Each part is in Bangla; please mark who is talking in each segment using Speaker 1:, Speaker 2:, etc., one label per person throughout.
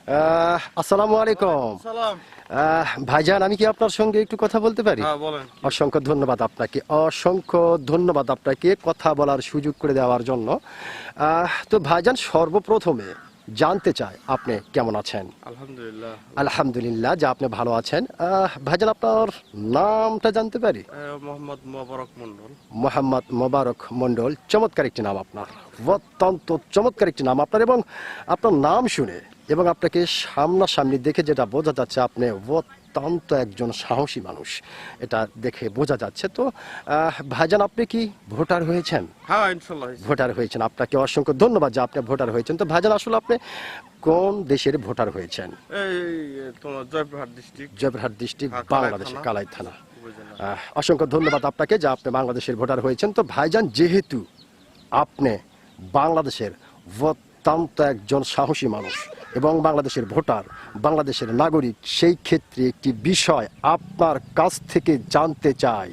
Speaker 1: আসসালামু আলাইকুম। ভাইজান, আমি কি আপনার সঙ্গে একটু কথা বলতে পারি?
Speaker 2: বলেন।
Speaker 1: অসংখ্য ধন্যবাদ আপনাকে, অসংখ্য ধন্যবাদ আপনাকে কথা বলার সুযোগ করে দেওয়ার জন্য। তো ভাইজান, সর্বপ্রথমে জানতে চাই আপনি কেমন আছেন?
Speaker 2: আলহামদুলিল্লাহ।
Speaker 1: আলহামদুলিল্লাহ যে আপনি ভালো আছেন। ভাইজান, আপনার নামটা জানতে পারি?
Speaker 2: মোহাম্মদ মোবারক মন্ডল।
Speaker 1: মোহাম্মদ মোবারক মন্ডল, চমৎকার একটি নাম আপনার, অত্যন্ত চমৎকার একটি নাম আপনার। এবং আপনার নাম শুনে এবং আপনাকে সামনাসামনি দেখে যেটা বোঝা যাচ্ছে, আপনি অত্যন্ত একজন সাহসী মানুষ, এটা দেখে বোঝা যাচ্ছে। তো ভাইজান, আপনি কি ভোটার হয়েছেন?
Speaker 2: হ্যাঁ, ইনশাআল্লাহ
Speaker 1: ভোটার হয়েছেন, আপনাকে অসংখ্য ধন্যবাদ যে আপনি ভোটার হয়েছেন। তো ভাইজান, আসলে আপনি কোন দেশের ভোটার হয়েছেন?
Speaker 2: এই তোমার জয়পুরহাট ডিস্ট্রিক্ট।
Speaker 1: জয়পুরহাট ডিস্ট্রিক্ট,
Speaker 2: হ্যাঁ,
Speaker 1: বাংলাদেশ,
Speaker 2: থানা।
Speaker 1: কালাই থানা।
Speaker 2: উপজেলা।
Speaker 1: অসংখ্য ধন্যবাদ আপনাকে যে আপনি বাংলাদেশের ভোটার হয়েছেন। তো ভাইজান, যেহেতু আপনি বাংলাদেশের অত্যন্ত একজন সাহসী মানুষ এবং বাংলাদেশের ভোটার, বাংলাদেশের নাগরিক, সেই ক্ষেত্রে একটি বিষয় আপনার কাছ থেকে জানতে চাই।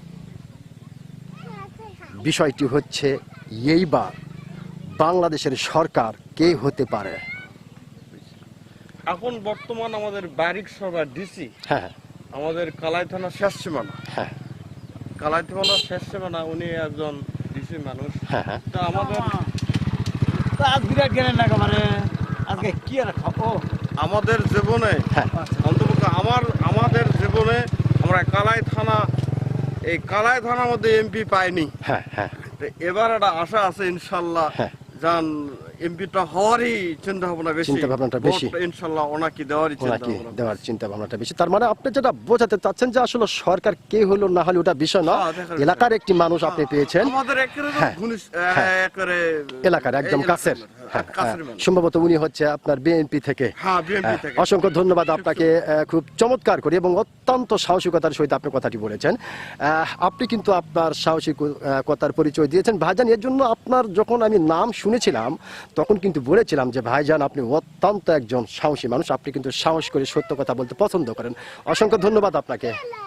Speaker 1: বিষয়টি হচ্ছে, এইবার বাংলাদেশের সরকার কে হতে পারে?
Speaker 2: এখন বর্তমান আমাদের বারিক সরকার ডিসি
Speaker 1: হ্যাঁ
Speaker 2: আমাদের কালাই থানা শেষ সীমানা।
Speaker 1: হ্যাঁ
Speaker 2: কালাই থানা শেষ সীমানা, উনি একজন ডিসি মানুষ।
Speaker 1: হ্যাঁ হ্যাঁ
Speaker 2: তা আমাদের
Speaker 3: আজকে কি আর খাবো?
Speaker 2: আমাদের জীবনে
Speaker 1: হ্যাঁ
Speaker 2: অন্তত আমাদের জীবনে আমরা এই কালাই থানার মধ্যে এমপি পাইনি।
Speaker 1: হ্যাঁ হ্যাঁ
Speaker 2: তো এবার একটা আশা আছে ইনশাল্লাহ,
Speaker 1: হ্যাঁ।
Speaker 2: যান এমপিটা হওয়ারই চিন্তা ভাবনা বেশি,
Speaker 1: চিন্তা ভাবনাটা বেশি।
Speaker 2: ভোট ইনশাল্লাহ ওনাকে দেওয়ারই চিন্তা
Speaker 1: ওনাকে
Speaker 2: ভাবনা।
Speaker 1: দেওয়ার চিন্তা ভাবনাটা বেশি। তার মানে আপনি যেটা বোঝাতে চাচ্ছেন যে আসলে সরকার কে হলো না হলো ওটা বিষয় না,
Speaker 2: হ্যাঁ, দেখার
Speaker 1: এলাকার একটি মানুষ আপনি পেয়েছেন,
Speaker 2: আমাদের একেবারে
Speaker 1: হ্যাঁ, হ্যাঁ। এলাকার একদম কাছের। হ্যাঁ, সম্ভবত উনি হচ্ছে আপনার বিএনপি থেকে।
Speaker 2: হ্যাঁ, বিএনপি থেকে।
Speaker 1: অসংখ্য ধন্যবাদ আপনাকে, খুব চমৎকার করে এবং অত্যন্ত সাহসিকতার সহিত আপনি কথাটি বলেছেন। আপনি কিন্তু আপনার সাহসিকতার পরিচয় দিয়েছেন ভাইজান। এর জন্য আপনার যখন আমি নাম শুনেছিলাম তখন কিন্তু বলেছিলাম যে ভাইজান, আপনি অত্যন্ত একজন সাহসী মানুষ, আপনি কিন্তু সাহস করে সত্য কথা বলতে পছন্দ করেন। অসংখ্য ধন্যবাদ আপনাকে।